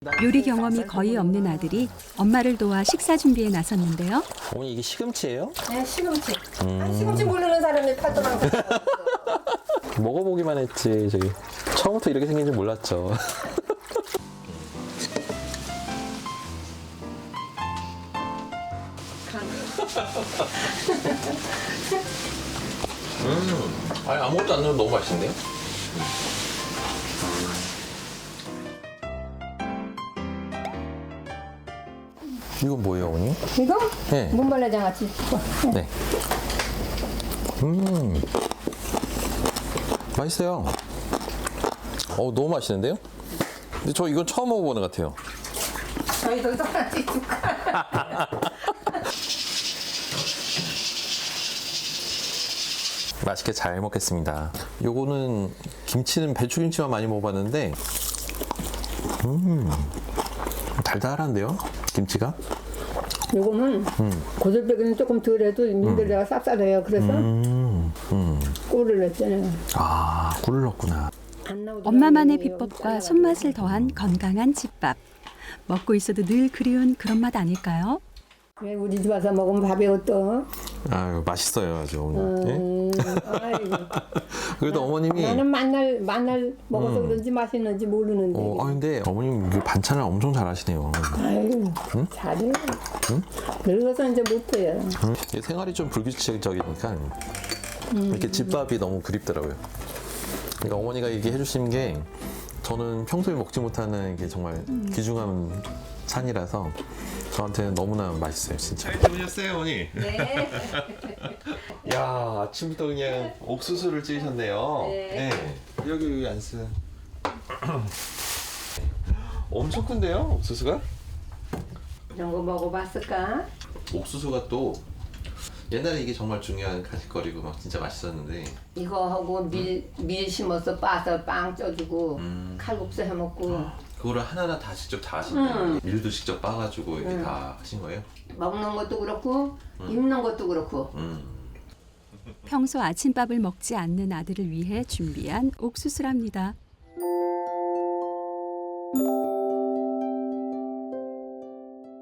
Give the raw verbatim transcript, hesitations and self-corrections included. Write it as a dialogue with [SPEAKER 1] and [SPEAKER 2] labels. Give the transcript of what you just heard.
[SPEAKER 1] 요리 경험이 거의 없는 아들이 엄마를 도와 식사 준비에 나섰는데요.
[SPEAKER 2] 어머니 이게 시금치예요?
[SPEAKER 3] 네, 시금치.
[SPEAKER 2] 음.
[SPEAKER 3] 아, 시금치 모르는 사람이 팔도만
[SPEAKER 2] 먹어보기만 했지 저기 처음부터 이렇게 생긴 줄 몰랐죠. 음, 아니 아무것도 안 넣어도 너무 맛있는데요? 이건 뭐예요, 어머니?
[SPEAKER 3] 이거?
[SPEAKER 2] 네.
[SPEAKER 3] 문발레장아찌.
[SPEAKER 2] 네. 음, 맛있어요. 어, 너무 맛있는데요? 근데 저 이건 처음 먹어보는 것 같아요.
[SPEAKER 3] 저희도 하나씩 줄까?
[SPEAKER 2] 맛있게 잘 먹겠습니다. 요거는 김치는 배추김치만 많이 먹어봤는데, 음, 달달한데요? 김치가?
[SPEAKER 3] 요거는
[SPEAKER 2] 음.
[SPEAKER 3] 고들빼기는 조금 덜해도 민들레가 쌉싸해요. 그래서
[SPEAKER 2] 음, 음.
[SPEAKER 3] 꿀을 넣었잖아요.
[SPEAKER 2] 아, 꿀을 넣었구나.
[SPEAKER 3] 안 나오더라고요.
[SPEAKER 1] 엄마만의
[SPEAKER 3] 여기
[SPEAKER 1] 비법과
[SPEAKER 3] 잘라가지고.
[SPEAKER 1] 손맛을 더한 건강한 집밥. 먹고 있어도 늘 그리운 그런 맛 아닐까요?
[SPEAKER 3] 왜 우리 집 와서 먹으면 밥이 어떠?
[SPEAKER 2] 아유, 맛있어요, 아주. 어머니. 예?
[SPEAKER 3] 음, 아이고.
[SPEAKER 2] 그래도 어머님이.
[SPEAKER 3] 나는 만날 만날 먹어서 그런지 맛있는지 모르는데.
[SPEAKER 2] 어, 아 근데 어머님 이게 반찬을 엄청 잘하시네요.
[SPEAKER 3] 아유, 잘해. 늙어서 이제 못해요.
[SPEAKER 2] 음, 이게 생활이 좀 불규칙적이니까 이렇게 집밥이 너무 그립더라고요. 그러니까 어머니가 이게 해주신 게 저는 평소에 먹지 못하는 게 정말 귀중한 찬이라서 저한테는 너무나 맛있어요, 진짜. 잘 주무셨어요, 어머니?
[SPEAKER 3] 네.
[SPEAKER 2] 야, 아침부터 그냥 옥수수를 찌셨네요.
[SPEAKER 3] 네.
[SPEAKER 2] 여기 여기 안 쓰. 엄청 큰데요, 옥수수가?
[SPEAKER 3] 이런 거 먹어봤을까?
[SPEAKER 2] 옥수수가 또 옛날에 이게 정말 중요한 간식거리고 막 진짜 맛있었는데
[SPEAKER 3] 이거 하고 밀, 밀 심어서 빠서 빵 쪄주고
[SPEAKER 2] 음.
[SPEAKER 3] 칼국수 해먹고
[SPEAKER 2] 그거를 하나하나 다 직접 다 하신 거예요?
[SPEAKER 3] 음.
[SPEAKER 2] 밀도 직접 빻아가지고 이렇게
[SPEAKER 3] 음.
[SPEAKER 2] 다 하신 거예요?
[SPEAKER 3] 먹는 것도 그렇고 입는 것도 그렇고
[SPEAKER 2] 음.
[SPEAKER 1] 평소 아침밥을 먹지 않는 아들을 위해 준비한 옥수수랍니다.